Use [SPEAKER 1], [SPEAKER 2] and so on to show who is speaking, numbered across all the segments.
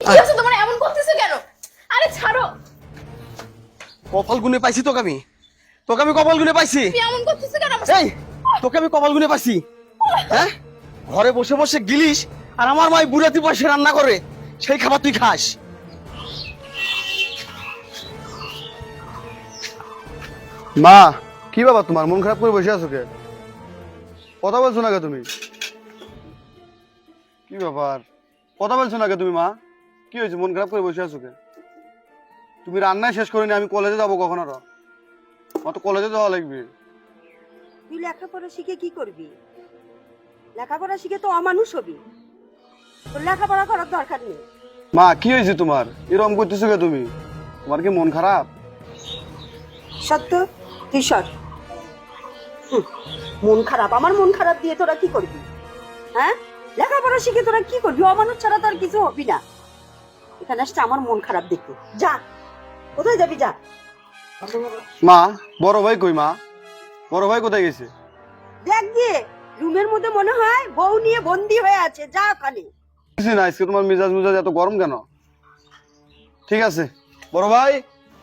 [SPEAKER 1] কি হচ্ছে তোমার, এমন করতেছো কেন? আরে ছাড়ো।
[SPEAKER 2] কপাল গুনে পাইছি তোকে আমি কপাল গুনে পাইছি।
[SPEAKER 1] তুমি এমন করতেছো কেন?
[SPEAKER 2] এই তোকে আমি কপাল গুনে পাইছি। হ্যাঁ, ঘরে বসে বসে গিলিস আর আমার মাই বুড়াতি পয়সা রান্না করে সেই খাবার তুই খাস।
[SPEAKER 3] মা, কি বাবা তোমার মন খারাপ করে বসে আছো কে? কথা বলছো না কে তুমি? কি ব্যাপার, কথা বলছো না কে তুমি? মা, কি হয়েছে, মন খারাপ করে বসে আছো কে? তুমি রান্নায় শেষ করিনি, আমি কলেজে যাবো কখন আরো? আমার তো কলেজে যাওয়া লাগবে।
[SPEAKER 4] তুই লেখাপড়া শিখে কি করবি? লেখাপড়া শিখে তো অমানুষ হবি। তোর লেখাপড়া করার দরকার নেই।
[SPEAKER 3] মা, কি হয়েছে তোমার, এরকম করতেছো কে তুমি? তোমার কি মন খারাপ?
[SPEAKER 4] সত্য, তুই সর। মন খারাপ, আমার মন খারাপ দিয়ে তোরা কি করবি? হ্যাঁ, লেখাপড়া শিখে তোরা কি করবি? অমানুষ ছাড়া তোর কিছু হবি না। এখানে আসছে আমার মন খারাপ দেখতে। যা, কোথায় যাবি যা।
[SPEAKER 3] মা, বড় ভাই কই? মা, বড় ভাই কোথায় গেছে?
[SPEAKER 4] দেখ গিয়ে, রুমের মধ্যে মনে হয় বউ নিয়ে বন্দি হয়ে আছে। যা ওখানে।
[SPEAKER 3] কিছু না, আজকে তোমার মেজাজ এত গরম কেন? ঠিক আছে বড় ভাই।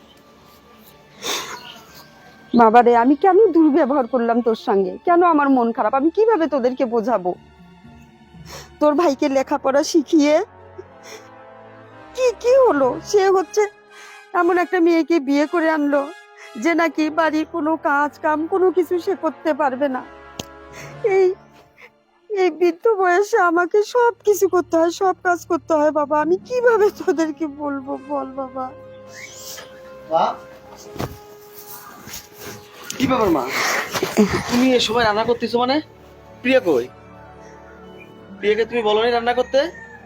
[SPEAKER 4] বাবারে, আমি কেন দুর্ব্যবহার করলাম তোর সঙ্গে? কেন আমার মন খারাপ? আমি কিভাবে তোদেরকে বোঝাবো? তোর ভাইকে লেখাপড়া শিখিয়ে কি কি হলো? সে হচ্ছে এমন একটা মেয়েকে বিয়ে করে আনলো যে নাকি বাড়ির কোনো কাজ কাম কোনো কিছু সে করতে পারবে না। এই এই বৃদ্ধ বয়সে আমাকে সব কিছু করতে হয়, সব কাজ করতে হয়। বাবা, আমি কিভাবে তোদেরকে বলবো বল বাবা?
[SPEAKER 2] কি ব্যাপার মা, তুমি এ সময় রান্না করতেছো? মানে প্রিয়া কই? প্রিয়াকে তুমি বলোনি রান্না করতে?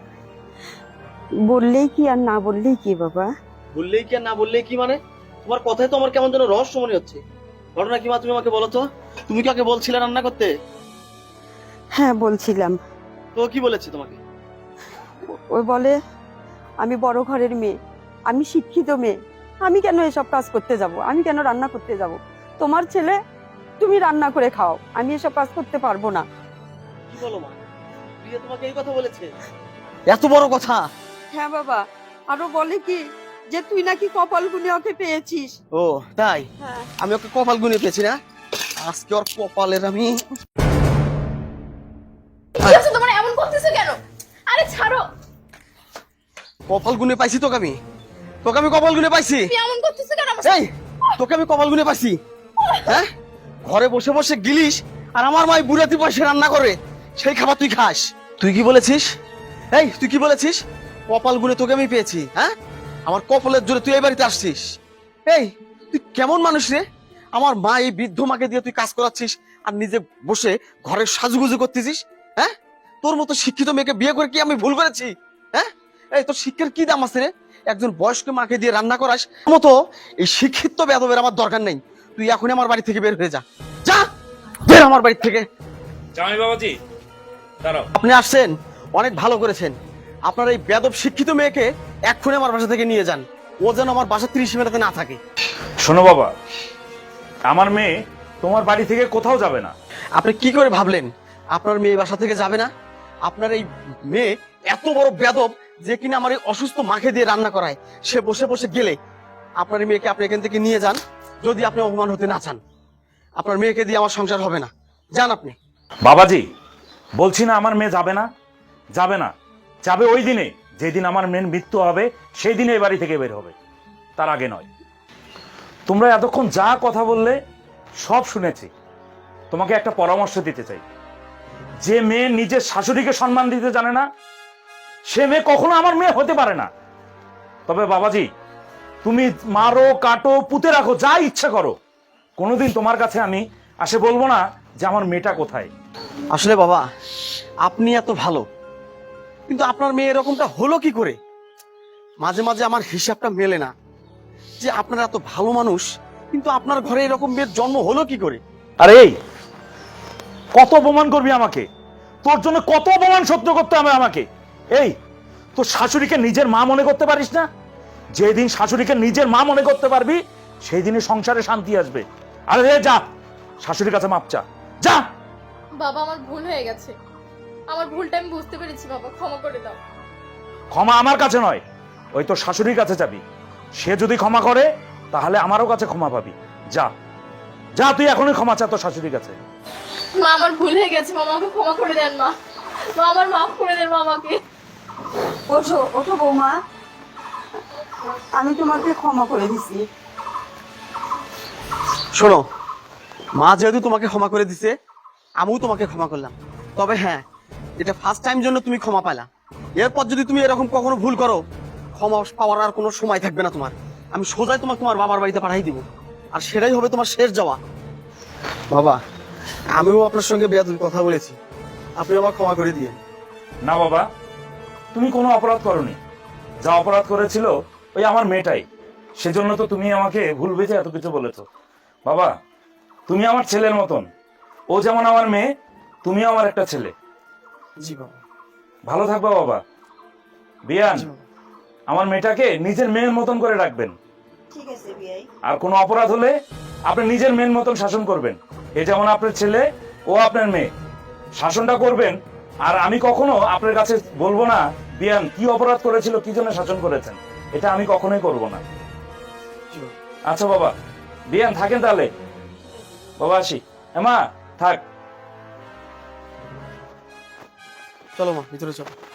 [SPEAKER 4] বললেই কি আর না বললেই কি বাবা?
[SPEAKER 2] বললেই কি আর না বললেই কি মানে? তোমার কথায় তো আমার কেমন যেন রহস্য মনে হচ্ছে। ঘটনা কি মা, তুমি আমাকে বলো তো। তুমি কাকে বলছিলে রান্না করতে?
[SPEAKER 4] হ্যাঁ, বলছিলাম।
[SPEAKER 2] তো কি বলেছে তোমাকে?
[SPEAKER 4] ওই বলে আমি বড় ঘরের মেয়ে, আমি শিক্ষিত মেয়ে, আমি কেন এসব কাজ করতে যাব? আমি কেন রান্না করতে যাব? তোমার ছেলে, তুমি রান্না করে খাও, আমি এসব কাজ করতে পারবো না।
[SPEAKER 2] কি বলো মা, প্রিয়া তোমাকে এই কথা বলেছে? এত বড় কথা?
[SPEAKER 4] হ্যাঁ বাবা, আরো বলে কি যে তুই নাকি কপাল গুনে ওকে পেয়েছিস।
[SPEAKER 2] ও তাই?
[SPEAKER 4] হ্যাঁ।
[SPEAKER 2] আমি ওকে কপাল গুনে পেয়েছি না? আজকে ওর কপালের আমি।
[SPEAKER 1] কি হচ্ছে তোমার, এমন করতেছো কেন? আরে ছাড়ো।
[SPEAKER 2] কপাল গুনে পাইছি তোকে আমি কপাল গুনে পাইছি।
[SPEAKER 1] তুমি এমন করতেছো কেন?
[SPEAKER 2] এই তোকে আমি কপাল গুনে পাইছি। হ্যাঁ, ঘরে বসে বসে গিলিস আর আমার মাই বুড়াতি পয়সা রান্না করে সেই খাবার তুই খাস। তুই কি বলেছিস? এই তুই কি বলেছিস? কপাল গুনে তোকে আমি পেয়েছি। হ্যাঁ, আমার কপালের জোরে তুই এই বাড়িতে আসছিস। এই তুই কেমন মানুষ রে? আমার মা, এই বৃদ্ধ মাকে দিয়ে তুই কাজ করাচ্ছিস আর নিজে বসে ঘরের সাজুগুজু করতেছিস। হ্যাঁ, তোর মতো শিক্ষিত মেয়েকে বিয়ে করে কি আমি ভুল করেছি? হ্যাঁ, এই তোর শিক্ষার কি দাম আছে রে? একজন বয়স্ক মাকে দিয়ে রান্না করাস মতো এই শিক্ষিত বেদবের আমার দরকার নেই। তুই এখনই আমার বাড়ি থেকে বের হয়ে যা। যা, বের আমার বাড়ি থেকে।
[SPEAKER 5] জামাই বাবাজি দাঁড়াও।
[SPEAKER 2] আপনি আসছেন, অনেক ভালো করেছেন। আপনার এই বেদব শিক্ষিত মেয়েকে এক্ষুনি আমার বাসা থেকে নিয়ে যান। ও যেন আমার বাসা 30 মিনিটে না থাকে।
[SPEAKER 5] শোনো বাবা, আমার মেয়ে তোমার বাড়ি থেকে কোথাও যাবে না।
[SPEAKER 2] আপনি কি করে ভাবলেন আপনার মেয়ে বাসা থেকে যাবে না? আপনার এই মেয়ে এত বড় বেদব যে কিনা আমার এই অসুস্থ মাকে দিয়ে রান্না করায়। সে বসে বসে গেলে আপনার এই মেয়েকে আপনি এখান থেকে নিয়ে যান। যদি আপনি অপমান হতে না চান, আপনার মেয়েকে দিয়ে আমার সংসার হবে না। যান আপনি।
[SPEAKER 5] বাবাজি, বলছি না আমার মেয়ে যাবে না, যাবে না। যাবে ওই দিনে যেদিন আমার মেয়ের মৃত্যু হবে, সেই দিনে এই বাড়ি থেকে বের হবে, তার আগে নয়। তোমরা এতক্ষণ যা কথা বললে সব শুনেছি। তোমাকে একটা পরামর্শ দিতে চাই। যে মেয়ে নিজের শাশুড়িকে সম্মান দিতে জানে না, সে মেয়ে কখনো আমার মেয়ে হতে পারে না। তবে বাবাজি, তুমি মারো, কাটো, পুঁতে রাখো, যা ইচ্ছা করো, কোনোদিন তোমার কাছে আমি আসে বলবো না যে আমার মেয়েটা কোথায়।
[SPEAKER 2] আসলে বাবা, আপনি এত ভালো, কিন্তু আপনার মেয়ে এরকমটা হলো কি করে? মাঝে মাঝে আমার হিসাবটা মেলে না যে আপনারা এত ভালো মানুষ, কিন্তু আপনার ঘরে এরকম মেয়ের জন্ম হলো কি করে?
[SPEAKER 5] আরে এই কত অপমান করবি আমাকে? তোর জন্য কত অপমান সহ্য করতে হবে আমাকে? এই তোর শাশুড়িকে নিজের মা মনে করতে পারিস না? যেদিন শাশুড়িকে নিজের মা মনে করতে পারবি, সেই দিনই সংসারে শান্তি আসবে। আরে যা, শাশুড়ির কাছে মাপ চা, যা।
[SPEAKER 1] বাবা, আমার ভুল হয়ে গেছে, আমার ভুলটা আমি বুঝতে পেরেছি। বাবা, ক্ষমা করে দাও।
[SPEAKER 5] ক্ষমা আমার কাছে নয়, ওই তোর শাশুড়ির কাছে যাবি, সে যদি ক্ষমা করে তাহলে আমারও কাছে ক্ষমা পাবি। যা যা, তুই এখনই ক্ষমা চা তোর শাশুড়ির কাছে।
[SPEAKER 1] মা আমার ভুল হয়ে গেছে, মা আমাকে ক্ষমা করে দেন মা। মা আমার মাফ করে দেন মা আমাকে।
[SPEAKER 4] ওঠো ওঠো বৌমা, আমি তোমাকে ক্ষমা করে দিছি।
[SPEAKER 2] শোনো, মা যেহেতু তোমাকে ক্ষমা করে দিছে, আমিও তোমাকে ক্ষমা করলাম। তবে হ্যাঁ, এটা ফার্স্ট টাইম জন্য তুমি ক্ষমা পালা। এরপর যদি তুমি এরকম কখনো ভুল করো, ক্ষমা পাওয়ার আর কোনো সময় থাকবে না তোমার। আমি সোজাই তোমাকে তোমার বাবার বাড়িতে পাঠাই দিব, আর সেটাই হবে তোমার শেষ যাওয়া। বাবা, আমিও আপনার সঙ্গে বেয়াদবি কথা বলেছি, আপনি আমার ক্ষমা করে দিয়ে।
[SPEAKER 5] না বাবা, তুমি কোনো অপরাধ করনি। যা অপরাধ করেছিল ওই আমার মেয়েটাই, সেজন্য তো তুমি আমাকে ভুল বুঝে এত কিছু বলেছো। বাবা, তুমি আমার ছেলের মতন, ও যেমন আমার মেয়ে, তুমিও আমার একটা ছেলে।
[SPEAKER 2] জি বাবা।
[SPEAKER 5] ভালো থাকবা বাবা। বিয়ান,
[SPEAKER 2] জি বাবা।
[SPEAKER 5] আমার মেয়েটাকে নিজের মেয়ের মতন করে রাখবেন,
[SPEAKER 4] ঠিক আছে বিয়াই।
[SPEAKER 5] আর কোনো অপরাধ হলে আপনি নিজের মেয়ের মতন শাসন করবেন। এ যেমন আপনার ছেলে, ও আপনার মেয়ে, শাসনটা করবেন। আর আমি কখনো আপনার কাছে বলবো না বিয়ান কি অপরাধ করেছিল, কি জন্য শাসন করেছেন, এটা আমি কখনোই করব না।
[SPEAKER 2] জি বাবা।
[SPEAKER 5] আচ্ছা বাবা, বিয়ান থাকেন তাহলে। বাবা আসি। মা থাক।
[SPEAKER 2] চলো মা, ভিতরে চলো।